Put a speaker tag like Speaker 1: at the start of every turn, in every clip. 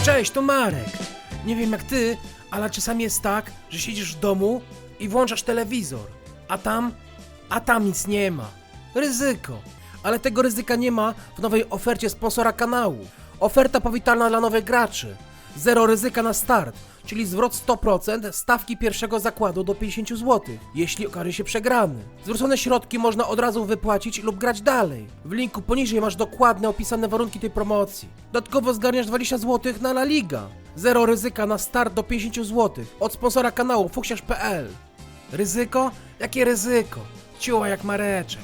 Speaker 1: Cześć, to Marek. Nie wiem jak ty, ale czasami jest tak, że siedzisz w domu i włączasz telewizor, a tam nic nie ma. Ryzyko. Ale tego ryzyka nie ma w nowej ofercie sponsora kanału. Oferta powitalna dla nowych graczy. Zero ryzyka na start, czyli zwrot 100% stawki pierwszego zakładu do 50 zł, jeśli okaże się przegrany. Zwrócone środki można od razu wypłacić lub grać dalej. W linku poniżej masz dokładne opisane warunki tej promocji. Dodatkowo zgarniasz 20 zł na La Liga. Zero ryzyka na start do 50 zł od sponsora kanału fuksiarz.pl. Ryzyko? Jakie ryzyko? Ciuła jak Mareczek.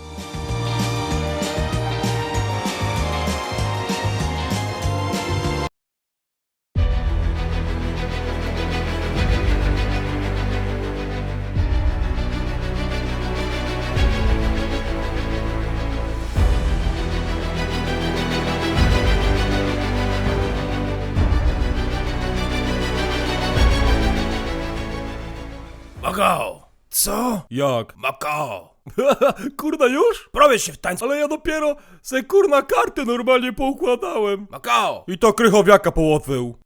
Speaker 2: Makao!
Speaker 1: Co?
Speaker 2: Jak? Makao!
Speaker 3: Kurna już?
Speaker 2: Prowadź się w tańcu!
Speaker 3: Ale ja dopiero se kurna karty normalnie poukładałem.
Speaker 2: Makao!
Speaker 3: I to krychowiaka połotwył.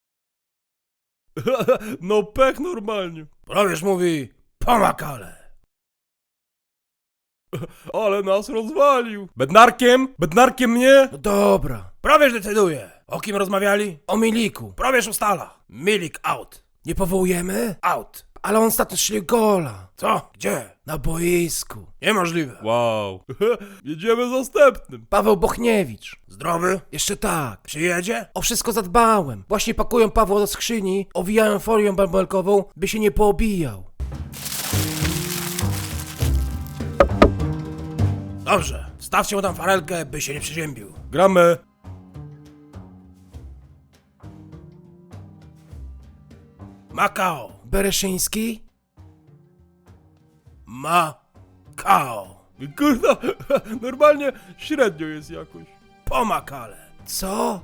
Speaker 3: No pech normalnie.
Speaker 2: Probierz mówi po makale!
Speaker 3: Ale nas rozwalił. Bednarkiem mnie?
Speaker 1: No dobra.
Speaker 2: Probierz decyduje! O kim rozmawiali?
Speaker 1: O Miliku.
Speaker 2: Probierz ustala! Milik out!
Speaker 1: Nie powołujemy?
Speaker 2: Out!
Speaker 1: Ale on ostatnio strzelił gola.
Speaker 2: Co? Gdzie?
Speaker 1: Na boisku.
Speaker 2: Niemożliwe!
Speaker 3: Wow. Jedziemy zastępnym.
Speaker 1: Paweł Bochniewicz.
Speaker 2: Zdrowy?
Speaker 1: Jeszcze tak.
Speaker 2: Przyjedzie?
Speaker 1: O wszystko zadbałem. Właśnie pakują Pawła do skrzyni, owijają folią bąbelkową, by się nie poobijał.
Speaker 2: Dobrze, wstawcie mu tam farelkę, by się nie przeziębił.
Speaker 3: Gramy.
Speaker 2: Makao!
Speaker 1: Bereszyński?
Speaker 2: Makao!
Speaker 3: Kurna, normalnie średnio jest jakoś.
Speaker 2: Po makale!
Speaker 1: Co?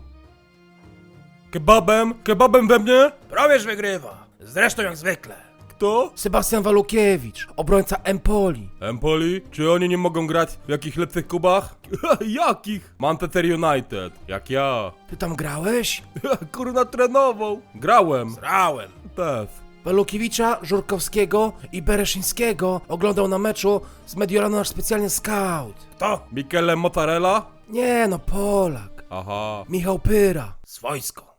Speaker 3: Kebabem we mnie?
Speaker 2: Probierz wygrywa! Zresztą jak zwykle.
Speaker 3: Kto?
Speaker 1: Sebastian Walukiewicz, obrońca Empoli.
Speaker 3: Empoli? Czy oni nie mogą grać w jakichś lepszych klubach? Jakich? Manchester United. Jak ja.
Speaker 1: Ty tam grałeś?
Speaker 3: Kurna trenował. Grałem.
Speaker 2: Zrałem.
Speaker 3: Też.
Speaker 1: Walukiewicza, Żurkowskiego i Bereszyńskiego oglądał na meczu z Mediolanu nasz specjalny scout.
Speaker 2: Kto?
Speaker 3: Michele Mozzarella?
Speaker 1: Nie no, Polak.
Speaker 3: Aha.
Speaker 1: Michał Pyra.
Speaker 2: Swojsko.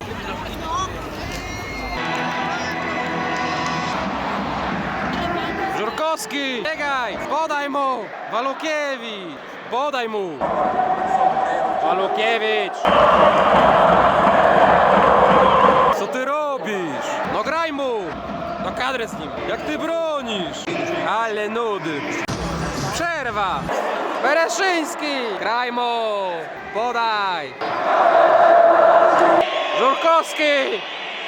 Speaker 4: Żurkowski! Biegaj! Podaj mu! Walukiewicz! Podaj mu! Walukiewicz! Co ty robisz? No graj mu! No kadrę z nim! Jak ty bronisz? Ale nudy! Przerwa! Bereszyński! Graj mu! Podaj! Żurkowski!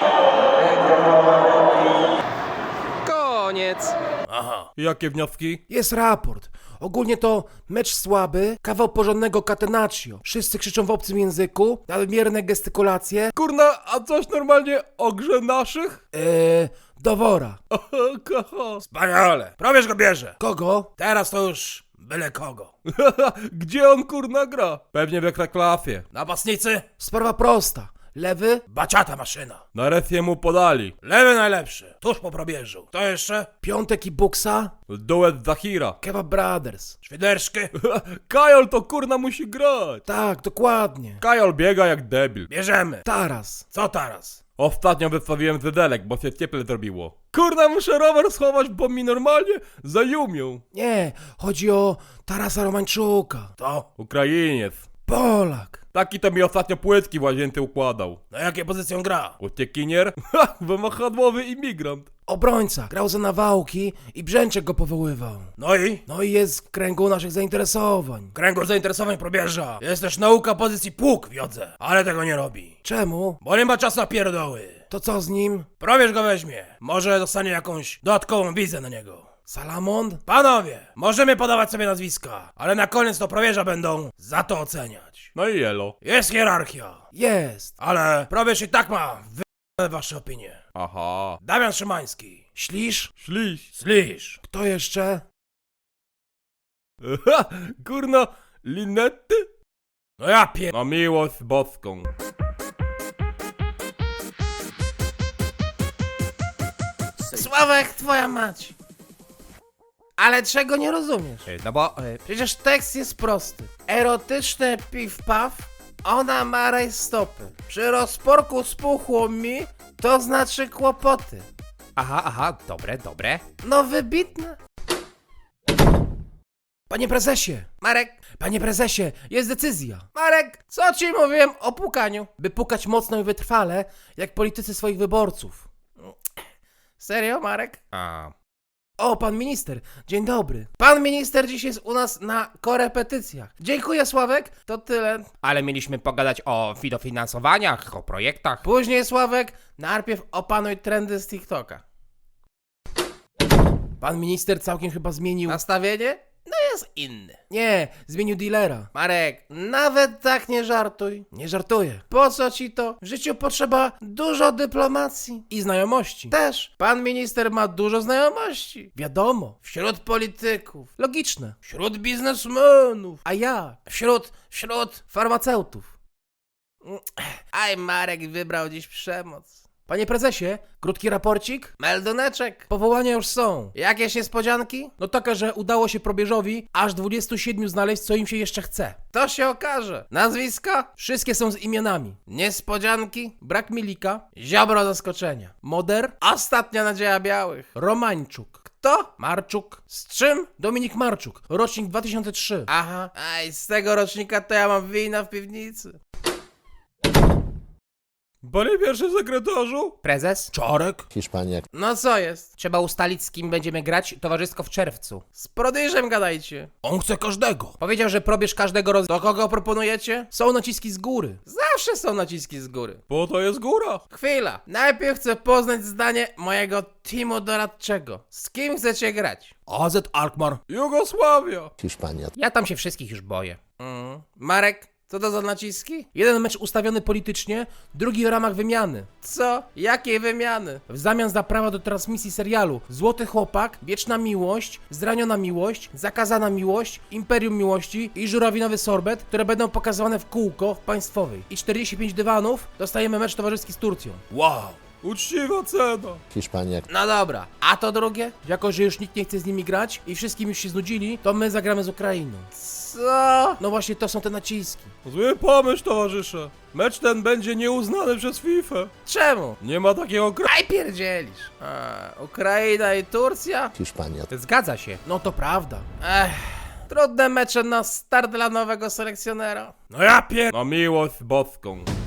Speaker 4: Koniec!
Speaker 2: Aha.
Speaker 3: Jakie wnioski?
Speaker 1: Jest raport. Ogólnie to mecz słaby, kawał porządnego catenaccio. Wszyscy krzyczą w obcym języku, nadmierne gestykulacje.
Speaker 3: Kurna, a coś normalnie o grze naszych?
Speaker 1: Do wora.
Speaker 3: Kaha.
Speaker 2: Wspaniale. Probierz go bierze.
Speaker 1: Kogo?
Speaker 2: Teraz to już byle kogo.
Speaker 3: Gdzie on kurna gra? Pewnie w Ekstraklasie.
Speaker 2: Napastnicy?
Speaker 1: Sprawa prosta. Lewy?
Speaker 2: Baciata maszyna.
Speaker 3: Nareszcie mu podali.
Speaker 2: Lewy najlepszy. Tuż po probierzu. Kto jeszcze?
Speaker 1: Piątek i Buksa?
Speaker 3: Duet Zahira.
Speaker 1: Kebab Brothers.
Speaker 2: Świderszki?
Speaker 3: Kajol to kurna musi grać.
Speaker 1: Tak, dokładnie.
Speaker 3: Kajol biega jak debil.
Speaker 2: Bierzemy.
Speaker 1: Taras.
Speaker 2: Co teraz?
Speaker 3: Ostatnio wystawiłem wydelek, bo się cieple zrobiło. Kurna, muszę rower schować, bo mi normalnie zajumią.
Speaker 1: Nie, chodzi o Tarasa Romańczuka.
Speaker 2: To?
Speaker 3: Ukrainiec.
Speaker 1: Polak.
Speaker 3: Taki to mi ostatnio płytki w łazience układał.
Speaker 2: Na jakie pozycją gra?
Speaker 3: Uciekinier? Ha! Wymachadłowy imigrant.
Speaker 1: Obrońca. Grał za Nawałki i Brzęczek go powoływał.
Speaker 2: No i?
Speaker 1: No i jest w kręgu naszych zainteresowań.
Speaker 2: Kręgu zainteresowań probierza. Jest też nauka pozycji pług w jodze. Ale tego nie robi.
Speaker 1: Czemu?
Speaker 2: Bo nie ma czasu na pierdoły.
Speaker 1: To co z nim?
Speaker 2: Probierz go weźmie. Może dostanie jakąś dodatkową wizę na niego.
Speaker 1: Salamon?
Speaker 2: Panowie, możemy podawać sobie nazwiska, ale na koniec to probierza będą za to oceniać.
Speaker 3: No i elo.
Speaker 2: Jest hierarchia,
Speaker 1: Jest.
Speaker 2: ale probierz i tak ma wasze opinie.
Speaker 3: Aha.
Speaker 2: Damian Szymański.
Speaker 1: Ślisz?
Speaker 3: Śliś.
Speaker 2: Slisz.
Speaker 1: Kto jeszcze?
Speaker 3: Ha! Kurna, Linetty?
Speaker 2: No ja
Speaker 3: Na miłość boską.
Speaker 1: Sławek, twoja mać. Ale czego nie rozumiesz?
Speaker 5: No bo...
Speaker 1: Przecież tekst jest prosty. Erotyczne piw-paw, ona ma rajstopy. Przy rozporku spuchło mi, to znaczy kłopoty.
Speaker 5: aha, dobre.
Speaker 1: No wybitne. Panie prezesie! Marek! Panie prezesie, jest decyzja! Marek, co ci mówiłem o pukaniu? By pukać mocno i wytrwale, jak politycy swoich wyborców. Serio, Marek?
Speaker 5: A...
Speaker 1: O, pan minister, dzień dobry. Pan minister dziś jest u nas na korepetycjach. Dziękuję, Sławek, to tyle.
Speaker 5: Ale mieliśmy pogadać o dofinansowaniach, o projektach.
Speaker 1: Później, Sławek, najpierw opanuj trendy z TikToka. Pan minister całkiem chyba zmienił nastawienie? No jest inny. Nie, zmienił dealera. Marek, nawet tak nie żartuj. Nie żartuję. Po co ci to? W życiu potrzeba dużo dyplomacji. I znajomości. Też. Pan minister ma dużo znajomości. Wiadomo. Wśród polityków. Logiczne. Wśród biznesmenów. A jak? Wśród farmaceutów. Aj, Marek wybrał dziś przemoc. Panie prezesie, krótki raporcik? Melduneczek. Powołania już są. Jakieś niespodzianki? No taka, że udało się probierzowi aż 27 znaleźć, co im się jeszcze chce. To się okaże. Nazwiska? Wszystkie są z imionami. Niespodzianki? Brak Milika. Ziobro zaskoczenia. Moder? Ostatnia nadzieja białych. Romańczuk. Kto? Marczuk. Z czym? Dominik Marczuk. Rocznik 2003. Aha. Aj, z tego rocznika to ja mam wina w piwnicy.
Speaker 3: Panie pierwszy sekretarzu?
Speaker 5: Prezes?
Speaker 3: Czarek?
Speaker 6: Hiszpania,
Speaker 1: No co jest?
Speaker 5: Trzeba ustalić, z kim będziemy grać towarzysko w czerwcu.
Speaker 1: Z prodyżem gadajcie.
Speaker 3: On chce każdego.
Speaker 1: Powiedział, że probierz każdego Do kogo proponujecie? Są naciski z góry. Zawsze są naciski z góry.
Speaker 3: Po to jest góra.
Speaker 1: Chwila. Najpierw chcę poznać zdanie mojego teamu doradczego. Z kim chcecie grać?
Speaker 3: AZ Alkmaar. Jugosławia.
Speaker 6: Hiszpania,
Speaker 5: Ja tam się wszystkich już boję.
Speaker 1: Marek, co to za naciski? Jeden mecz ustawiony politycznie, drugi w ramach wymiany. Co? Jakiej wymiany? W zamian za prawa do transmisji serialu Złoty Chłopak, Wieczna Miłość, Zraniona Miłość, Zakazana Miłość, Imperium Miłości i Żurawinowy Sorbet, które będą pokazywane w kółko w państwowej. I 45 dywanów dostajemy mecz towarzyski z Turcją.
Speaker 3: Wow. Uczciwa cena.
Speaker 6: Hiszpania,
Speaker 1: No dobra, a to drugie? Jako, że już nikt nie chce z nimi grać i wszystkim już się znudzili, to my zagramy z Ukrainą. Co? No właśnie to są te naciski.
Speaker 3: Zły pomysł, towarzysze. Mecz ten będzie nieuznany przez FIFA.
Speaker 1: Czemu?
Speaker 3: Nie ma takiego kraju.
Speaker 1: Aj pierdzielisz. Ukraina i Turcja?
Speaker 6: Hiszpania,
Speaker 5: Zgadza się.
Speaker 1: No to prawda. Trudne mecze na start dla nowego selekcjonera.
Speaker 3: No ja pier... Na miłość boską.